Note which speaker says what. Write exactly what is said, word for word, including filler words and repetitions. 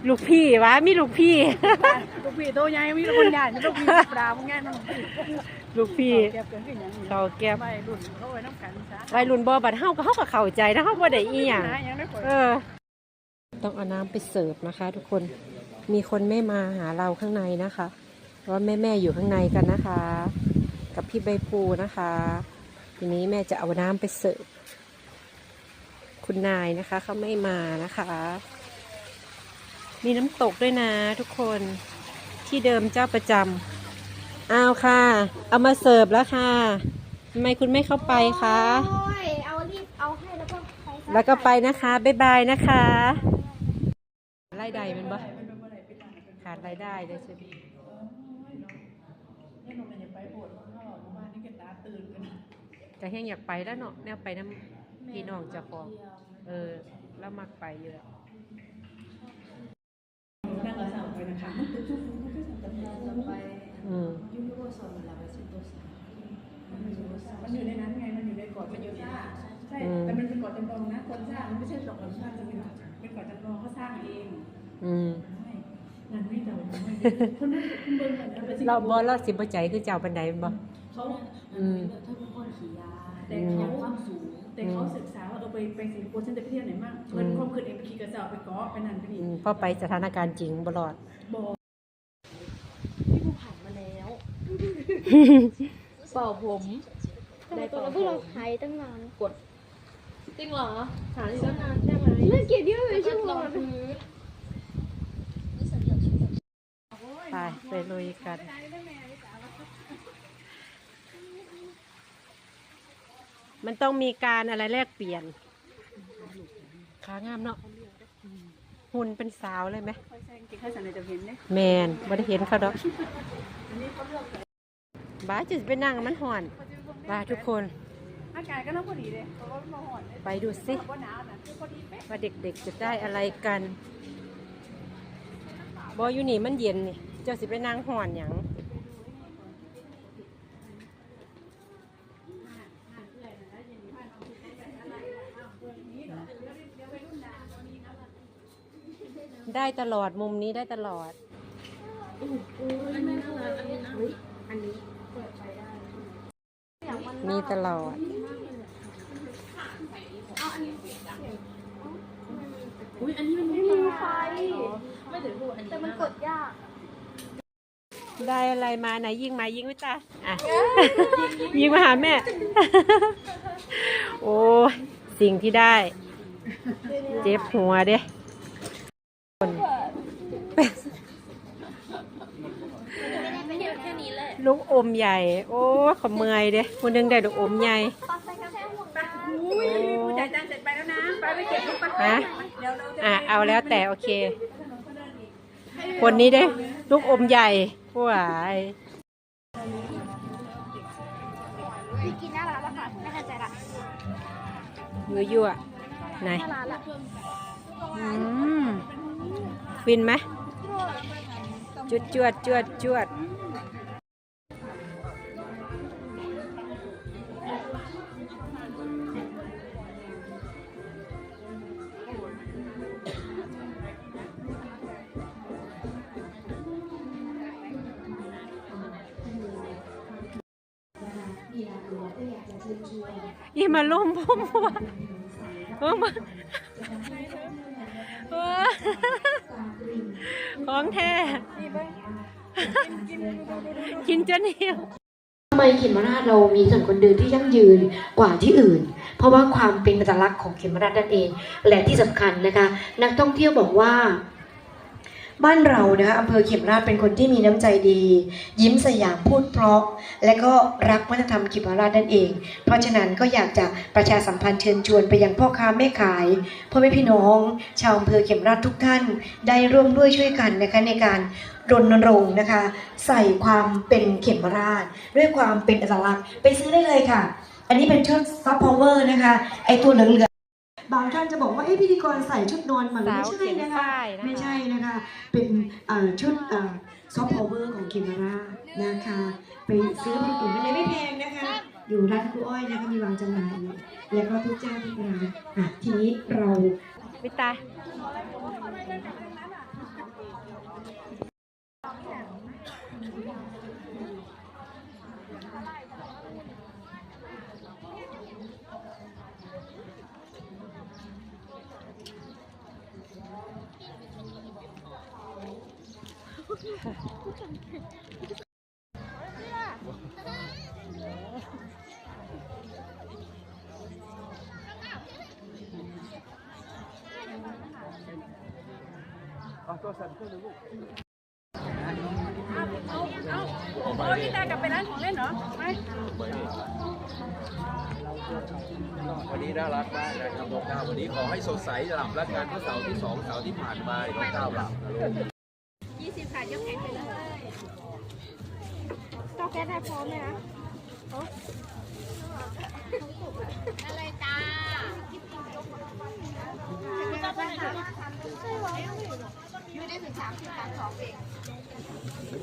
Speaker 1: ลูกพี่วะมีลูกพี่
Speaker 2: ลูกพี่โตใหญ่มีคนใหญ่มีลูกพี่ปลาพวกง่ายนั่น
Speaker 1: ลูกพี่
Speaker 2: เก็บเกินขึ้นอย่างนี้
Speaker 1: เขาเก็บ
Speaker 2: วัยรุ่นเขาไว้น้ำกันซะ
Speaker 1: วัยรุ่นบ่บัดเฮาก็เฮาก็เข้าใจนะเฮาบ่ได้อีหยังเออต้องเอาน้ำไปเสิร์ฟนะคะทุกคนมีคนไม่มาหาเราข้างในนะคะเพราะว่าแม่ๆอยู่ข้างในกันนะคะ กับพี่ใบภูนะคะทีนี้แม่จะเอาน้ำไปเสิร์ฟคุณนายนะคะเขาไม่มานะคะมีน้ำตกด้วยนะทุกคนที่เดิมเจ้าประจำเอาค่ะเอามาเสิร์ฟแล้วค่ะทำไมคุณไม่เข้าไปคะ
Speaker 3: เอารีบเอาให้แล้วก็ไป
Speaker 1: แล้วก็ไปนะคะบ๊ายบายนะคะรายได้มันบ่ขาดรายได้เลยใช่ไหมแต่ยังอยากไปแล้วเนาะแนวไปน้ำพี่น้องเจ้าของเออแล้วมักไปเยอะอืม
Speaker 2: มันอยู่ในนั้นไงมันอยู่ในเกาะมันอยู่ซ่าใช่แต่มันเป็นเกาะจำลองนะคนสร้างมันไม่ใช่เกาะธรรมชาติจะเป็นเป็นเกาะจำลองเขาสร้างเอง
Speaker 1: อืม
Speaker 2: งานไม่เดาคนนั้นคุณเบิ้งกัน
Speaker 1: เราบอเราสิบใจคือเจ้าปันไดบ่
Speaker 2: เขาอืมถ้าเป็นคนขี่ยาแต่เขาความสูงแต่เขาศึกษาว่าเออไปไปสิงคโปร์ฉันจะไปเที่ยวไหนมั่งเงินความคืนเองไปขี่กระเจ้าไปเกาะไปนั่นไปนี่
Speaker 1: พอไปสถานการณ์จริงบลอด
Speaker 3: พี่ภูผ่านมาแล้วเป่าผมได้ตัวแล้วพวกเราหายตั้งนานกดจริงเหรอหายตั้งนานใช่ไหมเล่นเกมเยอะเลยชั่วโมง
Speaker 1: ไปไปลุยกันมันต้องมีการอะไรแลกเปลี่ยนขางามเนาะหุ่นเป็นสาวเลยไหมแมนบ่ได้เห็นเขาดอกบ้าจะไปนั่งมันห่อนบ้าทุกคน
Speaker 2: อากาศก็น่าพอดีเลยเพราะว่ามันห่อน
Speaker 1: ไปดูสิว่าเด็กๆจะได้อะไรกันบออยู่นี่มันเย็นนี่เจ้าสิไปนั่งห่อนอย่างได้ตลอดมุมนี้ได้ตลอดมีตลอด
Speaker 3: อุ้ยอันนี้มันไม่มีไฟไม่ถึงพูดอันนี้แต่มันกดยาก
Speaker 1: ได้อะไรมาไหนยิงมายิงไว้จ้าอ่ะยิงมาหาแม่โอ้สิ่งที่ได้เจ็บหัวเด้ลูกอมใหญ่โอ้ขมเมยเด้คนนึงได้ลูกอมใหญ่
Speaker 2: จ่ายตังค์เสร็จไปแล้วนะไปไปเก็บลูกปัด
Speaker 1: ฮะอ่ะเอาแล้วแต่โอเคคนนี้ได้ลูกอมใหญ่ผู้หาย
Speaker 3: กินหน้าร้านแล้วค่ะไม่เข้าใจละ
Speaker 1: ยั่วยั่วไหนอืมฟินไหมจวดจวดจวดจวดยี่มาลุ่มพุ่มวะมาของแท้กินจนเหี่ยว
Speaker 4: ทำไมเขมราชเรามีถนนคนเดินที่ยั่งยืนกว่าที่อื่นเพราะว่าความเป็นอัตลักษณ์ของเขมราชนั่นเองและที่สำคัญนะคะนักท่องเที่ยวบอกว่าบ้านเรานะคะอำเภอเขมราชเป็นคนที่มีน้ำใจดียิ้มสยามพูดเพราะและก็รักวัฒนธรรมเขมราชนั่นเองเพราะฉะนั้นก็อยากจะประชาสัมพันธ์เชิญชวนไปยังพ่อค้าแม่ขายพ่อแม่พี่น้องชาวอำเภอเขมราชทุกท่านได้ร่วมด้วยช่วยกันนะคะในการรณรงค์นะคะใส่ความเป็นเขมราชด้วยความเป็นอัตลักษณ์ไปซื้อได้เลยค่ะอันนี้เป็นชุดซอฟต์พาวเวอร์นะคะไอตัวเหลืองบางท่านจะบอกว่าเอ๊ะพิธีกรใส่ชุดนอนมันไม่ใช่นะคะไม่ใช่นะคะเป็นชุดซอฟต์พาวเวอร์ของเขมราชนะคะไปซื้อผลิตภัณฑ์ไม่แพงนะคะอยู่ร้านครูอ้อยนะคะมีวางจำหน่ายแล้วก็ทุกเจ้าทุกร้านอ่ะทีนี้เรา
Speaker 1: วิตา
Speaker 5: เอาตัวสั่นขึ้นเลยลูก
Speaker 2: เอาเอาเอานี่ตากลับไปร้านของเล่นเหรอไป
Speaker 5: วันนี้น่ารักมากนะครับน้องก้าววันนี้ขอให้สดใสหลับแล้วกันเมื่อเสาร์ที่สองเสาร์ที่ผ่านมาน้องก้าวหลับนะลูก
Speaker 2: ยี่สิบค่ะยกแขนไปเลย
Speaker 3: เจ้าแก๊สได้พร้อมไหมนะอะไรจ้าไม่ได้ถึงสามสิบสามสองเอง